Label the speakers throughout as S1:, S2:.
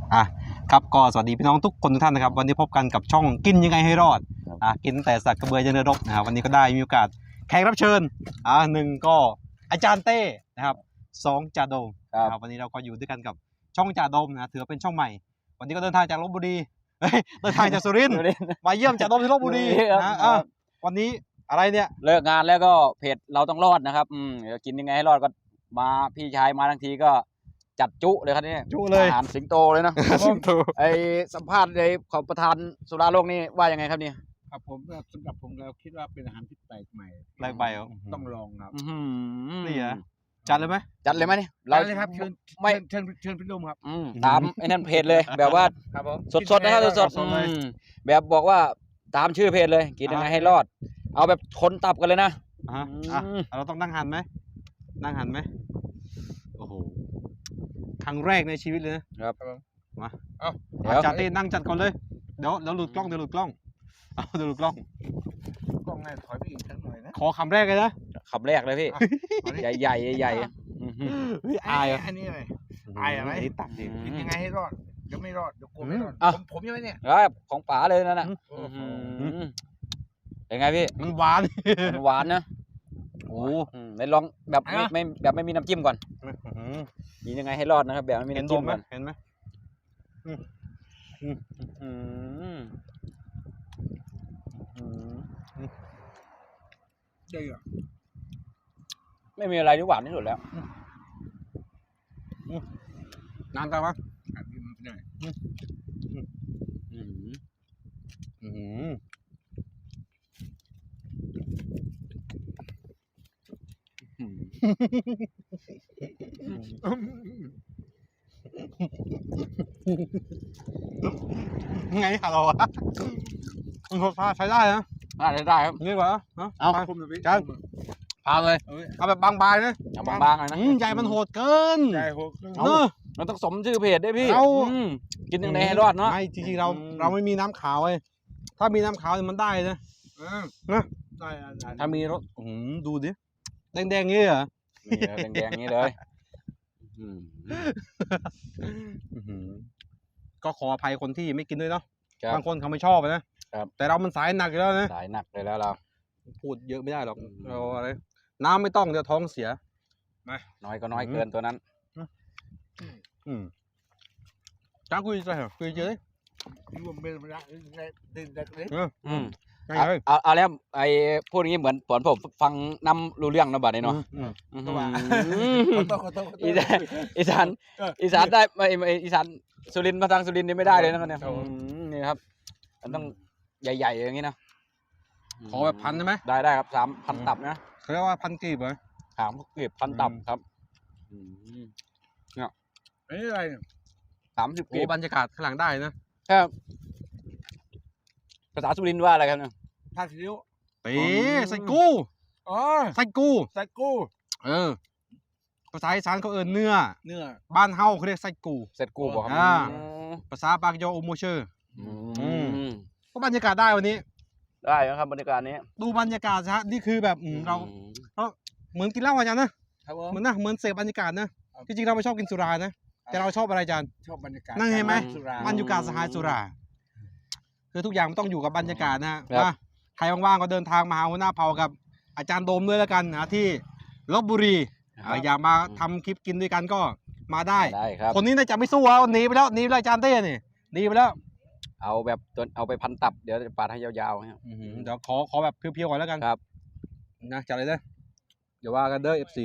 S1: อ่ะครับก็สวัสดีพี่น้องทุกคนทุกท่านนะครับวันนี้พบกันกับช่องกินยังไงให้รอดกินแต่สักกระเบือยันเรือรบนะครับวันนี้ก็ได้มีโอกาสแขกรับเชิญหนึ่งก็อาจารย์เต้นะครับสองจ่าโดมครับวันนี้เราก็อยู่ด้วยกันกับช่องจ่าโดมนะถือเป็นช่องใหม่วันนี้ก็เดินทางจากลพบุรีเดินทางจากสุรินทร์มาเยี่ยมจ่าโดมที่ลพบุรีนะวันนี้อะไรเนี่ย
S2: เลิกงานแล้วก็เพจเราต้องรอดนะครับเดี๋ยวกินยังไงให้รอดก็มาพี่ชายมาทั้งทีก็จัดจุเลยครับนี่
S1: จุเลย
S2: อาหารสิงโตเลยนะ
S1: สิงโต
S2: ไอสัมภาษณ์ในของประธานสุราโลกนี่ว่ายังไงครับนี่
S3: ครับผมสำหรับผมแล้วคิดว่าเป็นอาหารที่แปลกใหม่
S1: แปลกใหม่
S3: ต้องลองครับ
S1: นี่เหรอจัดเลยไหม
S2: จัดเลยไหมนี่
S3: เราเลยครับเชิญพี่นุ่มครับ
S2: ตามไอ้นั่นเพจเลยแบบว่าสดๆนะครับสดๆแบบบอกว่าตามชื่อเพจเลยกินยังไงให้รอดเอาแบบคนตับกันเลยนะ
S1: เราต้องนั่งหันไหมนั่งหันไหมโอ้โหครั้งแรกในชีวิตเลยนะครับมาอาจารย์เต้นั่งจัดก่อนเลยเดี๋ยวหลุดกล้องเดี๋ยวหลุดกล้องเดี๋ยวหลุดกล้อง
S3: กล้องแม่ถอยไปอีกสักหน่อยนะ
S1: ขอคำแรกเลยนะ
S2: คำแรกเลยพี่ใหญ่ๆใหญ่
S1: อาย
S3: อันนี้อะไรอายอะไร
S1: ตักดิ
S3: กินยังไงให้รอดเดี๋ยวไม่รอดเดี๋ยวกลัวไม่รอดผมยังไงเนี่ย
S2: ของป๋าเลยนั่นน่ะเป็นไงพี่
S1: มันหวาน
S2: นะโอ้ไหนลองแบบไม่มีน้ำจิ้มก่อนกินยังไงให้รอดนะครับแบบไม่มีน้ำจิ้มก่อน
S1: เห็นไหม
S3: เจ๋อ
S2: ไม่มีอะไรที่หวานที่สุดแล้ว
S1: นานจังวะไงฮัลโหลมันรสชาติใช้ได้นะ
S2: ได้ครับ
S1: นี่กว่า
S2: เอา
S1: จานพาเลยเอาแบบบางๆนะ
S2: บางๆหน่อยนะ
S1: ใหญ่มันโหดเกิน
S3: ใหญ่โหด
S2: เราต้องสมชื่อเพจได้พี่กินยังไงให้รอดเนาะ
S1: ไม่จริงๆเราไม่มีน้ำขาวเลยถ้ามีน้ำขาวมันได้นะ
S3: ได้
S1: ถ้ามีรสดูดิแดงๆงี้เหรอ
S2: แดงๆงี้เลย
S1: ก็ขออภัยคนที่ไม่กินด้วยเนาะบางคนเขาไม่ชอบนะแต่เรามันสายหนักอยู่แล้วนะ
S2: สายหนักเลยแล้วเรา
S1: พูดเยอะไม่ได้หรอกเราอะไรน้ำไม่ต้องเดี๋ยวท้องเสีย
S2: มาน้อยก็น้อยเกินตัวนั้น
S1: จ้าคุยใจเหรอคุยเจอเลย
S3: รวมเป็นระยะดึงเลย
S2: เอาแล้วไอ้พูดอย่างนี้เหมือนผมฟังน้ำรู้เรื่องนะบัดนี้เนาะอีสานได้อีสานสุรินทร์มาทางสุรินทร์นี่ไม่ได้เลยนะครับเนี่ยนี่ครับมันต้องใหญ่ๆอย่างนี้นะ
S1: ขอแบบพันใช่ไหม
S2: ได้ครับ3,000 ตับนะ
S1: เขาเรียกว่าพันกีบเหรอ
S2: กีบ1,000 ตับครับ
S3: เนี่ยนี่อะไร
S2: 30 กีบบ
S1: รรยากาศข้างหลังได้
S2: นะครับภาษาสุรินทร์ว่าอะไรครับเนี่ย
S3: ท่าซิ้ว
S1: ใส่กู้ใส่กู้ภาษาอีสานเขาเนื้อบ้านเฮาเขาเรียกใส่กู้
S2: บอกครับ
S1: ภาษาปากยอโอโมเชอร์ก็บรรยากาศได้วันนี้
S2: ได้ครับบรรยากาศนี้
S1: ดูบรรยากาศฮะนี่คือแบบเราเหมือนกินเหล้าอาจารย์นะเหมือนเสพบรรยากาศนะจริงๆเราไม่ชอบกินสุรานะแต่เราชอบอะไรอาจารย์
S3: ชอบบรรยากาศ
S1: นั่งเห็นไหมบรรยากาศสหายสุราคือทุกอย่างมันต้องอยู่กับบรรยากาศนะใครว่างๆก็เดินทางมาหาหัวหน้าเผ่ากับอาจารย์โดมด้วยแล้วกันนะที่ลพบุรีอยากมาทำคลิปกินด้วยกันก็มาได้
S2: ครับ
S1: คนนี้น่าจะไม่สู้หนีไปแล้วอาจารย์เต้นี่หนีไปแล้ว
S2: เอาแบบเอาไปพันตับเดี๋ยวจะปาดให้ยาวๆ
S1: เดี๋ยวขอแบบเพียวๆก่อนแล้วกัน
S2: ครับ
S1: นะจัดเลยเดี๋ยวว่ากันเด้อ FC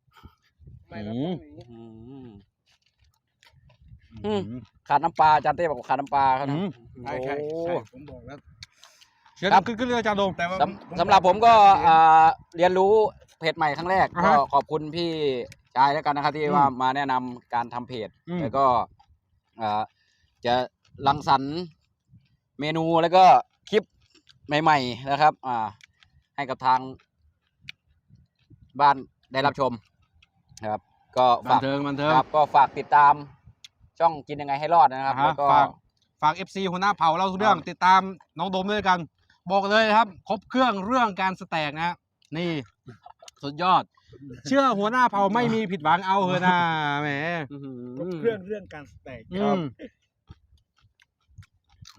S2: ขาดน้ำปลาอาจารย์เต้บอกขาดน้ำปลาครับ
S3: ใช่ผมบอกแล้ว
S1: ครับขึ้นเลยอาจารย์โดม
S2: สำหรับผมก็เรียนรู้เพจใหม่ครั้งแรกก็ขอบคุณพี่ชายแล้วกันนะครับที่ว่ามาแนะนำการทำเพจแล้วก็จะรังสรรค์เมนูแล้วก็คลิปใหม่ๆนะครับให้กับทางบ้านได้รับชมครับก็
S1: บันเทิง
S2: ครับก็ฝากติดตามช่องกินยังไงให้รอดนะครับแล้วก็
S1: ฝาก FC หัวหน้าเผ่าเราทุกเรื่องติดตามน้องโดมด้วยกันบอกเลยครับครบเครื่องเรื่องการสแต็กนะนี่สุดยอดเชื่อหัวหน้าเผ่าไม่มีผิดหวังเอาเถอะนะแหม
S3: ครบเครื่องการสแต็ก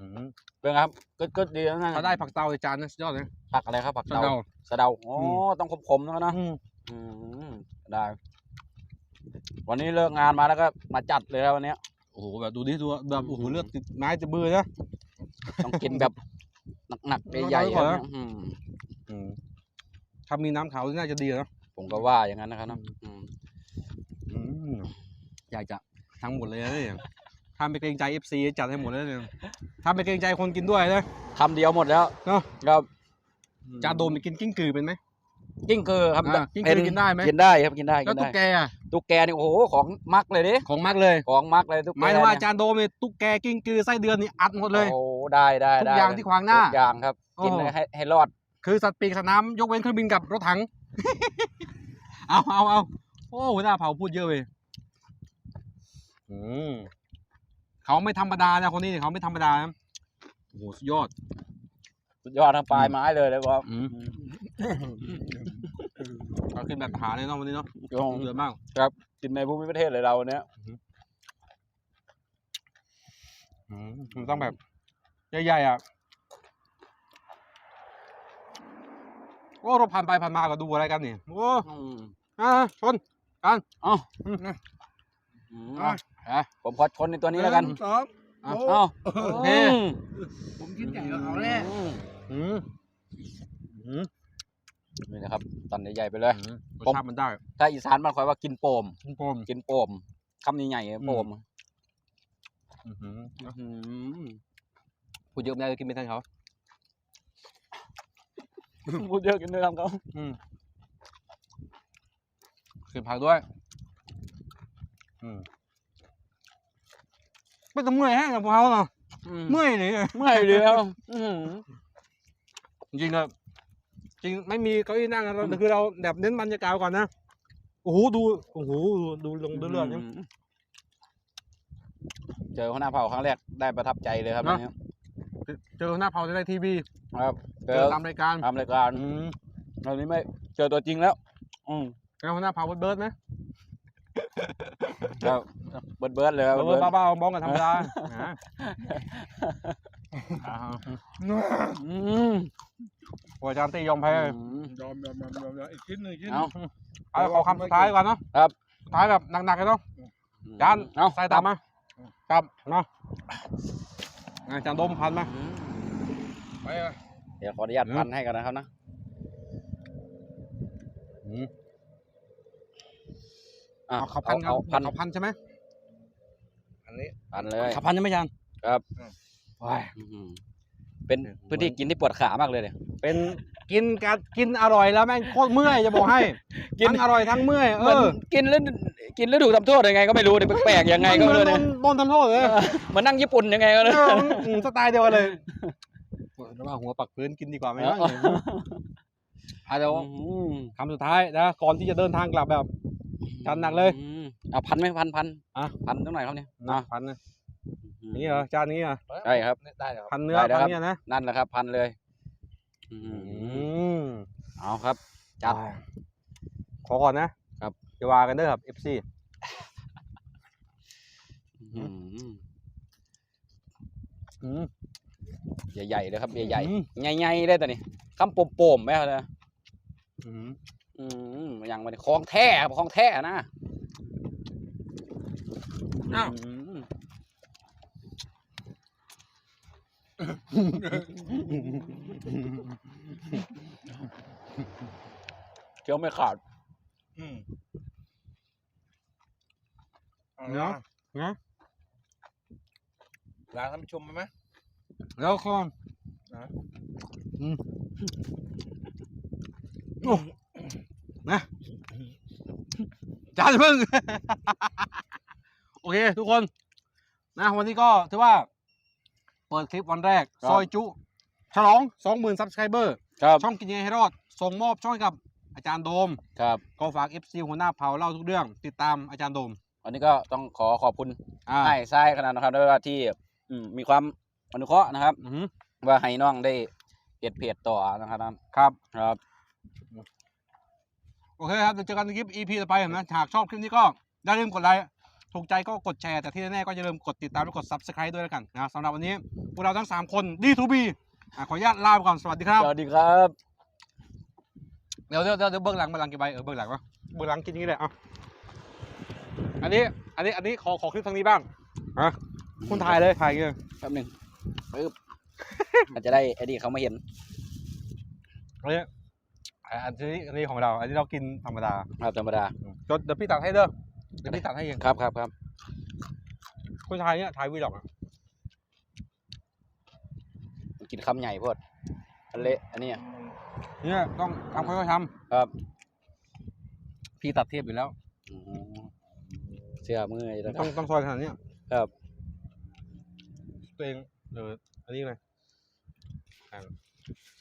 S2: เป็นไงครับก็ดีแล้วนะ
S1: ถ้าได้ผักเตาในจานนะสุดยอดเลย
S2: ผักอะไรครับผัก
S1: สะเดา
S2: สะเดาอ๋อต้องคมๆนะได้ วันนี้เลิกงานมาแล้วก็มาจัดเลยครับวันนี้
S1: โอ้โหแบบดูดิดูแบบโอ้โหเลือดติดไม้ติดมือนะ
S2: ต้องกินแบบหนักๆใหญ่ๆครับ
S1: ถ้ามีน้ำขาวน่าจะดีนะ
S2: ผมก็ว่าอย่างนั้นนะครับนะ
S1: อยากจะทั้งหมดเลยนะเนี่ยถ้าไม่เกรงใจ FC จัดให้หมดเลยเนี่ยถ้าไม่เกรงใจคนกินด้วยนะ
S2: คำเดียวหมดแล้ว
S1: เนาะ
S2: ครับ
S1: จานโดมไปกินกิ้งกือเป็นไหม
S2: กิ้งกือครับ
S1: กิ้งกือกินได้ไหม
S2: กินได้ครับกินได้
S1: แล้วตุ๊กแกอ่ะ
S2: ตุ๊กแกนี่โอ้โหของมักเลยดิ
S1: ของมักเลย
S2: ของมักเลยตุ๊กแก
S1: หมายถึงว่าจานโดมเนี่ยตุ๊กแกกิ้งกือไส้เดือนนี่อัดหมดเลย
S2: โอ้ได้
S1: ทุกอย่างที่ขวางหน้า
S2: ทุกอย่างครับกินเลยให้รอด
S1: คือสัตว์ปีกสัตว์น้ำยกเว้นเครื่องบินกับรถถัง เอาโอ้หัวหน้าเผาพูดเยอะเลยเขาไม่ธรรมดานะคนนี้เนี่ยเขาไม่ธรรมดานะโอ้โหสุดยอด
S2: สุดยอดทั้งปลายไม้เลยครับ
S1: เราขึ้นแบบทหารเลยเนาะวันนี้เนาะเดือดมาก
S2: ครับกินในภูมิประเทศเลยเราเนี้ย
S1: มันต้องแบบใหญ่ๆอ่ะโอ้เราผ่านไปผ่านมาก็ดูอะไรกันนี่โอ้ชนกัน
S2: ผมขอชนในตัวนี้แล้วกัน
S3: สอง
S1: โอเค
S3: ผมคิดใหญ่กว่าเขาแน่
S2: นี่นะครับตอนใหญ่ๆไปเลย
S1: รสชาติมันได้
S2: ถ้าอีสานมันคอยว่ากินโป่ม
S1: กินโปม
S2: คำนี้ใหญ่โป่ม
S1: พูดเยอะไม่ได้กินไม่ทันเขา
S2: พูดเยอะกินด้วยกันเขา
S1: ขึ้นผักด้วยไม่ต้องเมื่อยแห้งกับพวกเขาเนาะเมื่อยเลย
S2: เมื่อยเลยครับ
S1: จริงๆอะจริงไม่มีเก้าอี้นั่งเราคือเราแบบเน้นบรรยากาศก่อนนะโอ้โหดูลงดูเลือดเนี่ย
S2: เจอหัวหน้าเผ่าครั้งแรกได้ประทับใจเลยครับ
S1: เจอหน้าเผาในทีวี
S2: ครับ
S1: เจอตามรายการ
S2: ตามรายการตอนนี้ไม่เจอตัวจริงแล้ว
S1: แล้วหน้าเผาเบิร์ดไหม
S2: ครับเบิร์ดเลยครับ
S1: เบิร์ดบ้าๆบ้องกันธรรมดาโอ้อาจารย์ตียอมแพ้
S3: ยอมอีกชิ้นหนึ่งชิ้น
S1: เอาขอคำสุดท้ายก่อนเนาะ
S2: ครับ
S1: สุดท้ายแบบหนักๆเลยเนาะจานใส่ตามมาครับเนาะจานดมพันมาไปเลย
S2: เดี๋ยวขออนุญาตพันให้กันนะครับนะ
S1: เขาพันครับเขาพันใช่ไหม
S3: อันนี้
S2: พันเลย
S1: เขาพันใช่ไหมจาน
S2: ครับเป็นพื้นที่กินที่ปวดขามากเลยเนี่ย
S1: เป็นกินอร่อยแล้วแม่งโคตรเมื่อยจะบอกให้ทั้งอร่อยทั้งเมื่อย
S2: กินแล้วถูกทำโทษยังไงก็ไม่รู้เนี่ยแปลกๆยังไงก็ไม่รู้เนี่ย
S1: โดนทำโทษเลย
S2: เหมือนนั่งญี่ปุ่นยังไงก็เลย
S1: สไตล์เดียวกันเลยแล้วว่าหัวปักพื้นกินดีกว่าไหมวะเดี๋ยวคำสุดท้ายนะก่อนที่จะเดินทางกลับแบบจัดหนักเลย
S2: เอาพันไหมพันพันเท่าไหร่ครับเนี่ย
S1: พันนะนี่เหรอจานนี้เหรอ
S2: ใช่ครับ
S3: ได้ครับ
S1: พันเนื้อพันเนี่ยนะ
S2: นั่นแหละครับพันเลยเอาครับจัด
S1: ขอก่อนนะครับจะวากันเด้อครับ FC
S2: ใหญ่ๆเลยครับใหญ่ๆใหญ่ๆเลยแต่นี่คำโป่มๆไหมครับเนี่ยอย่างมันของแท้ของแท้นะเคี้ยวไม่ขาด
S1: เนาะ
S3: ลาท่านผู้ชมไหม
S1: แล้วคอนนะจานพึ่งโอเคทุกคนนะวันนี้ก็ถือว่าเปิดคลิปวันแรกซอยจุฉลอง 20,000 Subscriber ช่องกินยังไงให้รอดส่งมอบช่องกับอาจารย์โดม
S2: ครับ
S1: ก็ฝาก FC หัวหน้าเผาเล่าทุกเรื่องติดตามอาจารย์โดม
S2: วันนี้ก็ต้องขอบคุณให้ทรายขนาดนะครับด้วยว่าที่มีความอนุเคราะห์นะครับว่าให้น้องได้เพจต่อนะครับครับ
S1: โอเคครับเจอกันในคลิป EP ต่อไปนะหากชอบคลิปนี้ก็อย่าลืมกดไลค์ถูกใจก็กดแชร์แต่ที่แน่ๆก็อย่าลืมกดติดตามและกด Subscribe ด้วยแล้วกันนะสำหรับวันนี้พวกเราทั้ง3คน D2B ขออนุญาตลาไปก่อนสวัสดีครับ
S2: สวัสดีครับ
S1: เดี๋ยวเบื้องหลังกี่ใบเบื้องหลังวะเบื้องหลังกินอย่างนี้เลยอ่ะอันนี้ขอคลิปทางนี้บ้างอ่ะคุณถ่ายเลยถ่ายอย่างเงี้ย
S2: แป๊บหนึงปึ๊บ อาจจะได้ไอ้นี่เขามาเห็น
S1: อันนี้ของเรา อันนี้เรากินธรรมดา
S2: ครับธรรมดา
S1: เดี๋ยวพี่ตัดให้เด้อเดี๋ยวพี่ตัดให้เอง
S2: ครับ
S1: คุณถ่ายเนี่ยถ่ายวีล็อกอ่ะ
S2: กินคำใหญ่โพดอันเละอันเนี้ย
S1: เนี่ยต้องทำค่อยๆท
S2: ครับ
S1: ำพี่ตัดเทียบอยู่แล้ว
S2: อืมเชื่อมืออยู่แล้ว
S1: ต้องซอยขนาดเนี้ย
S2: ครับ
S1: ตัวเองอันนี้ไง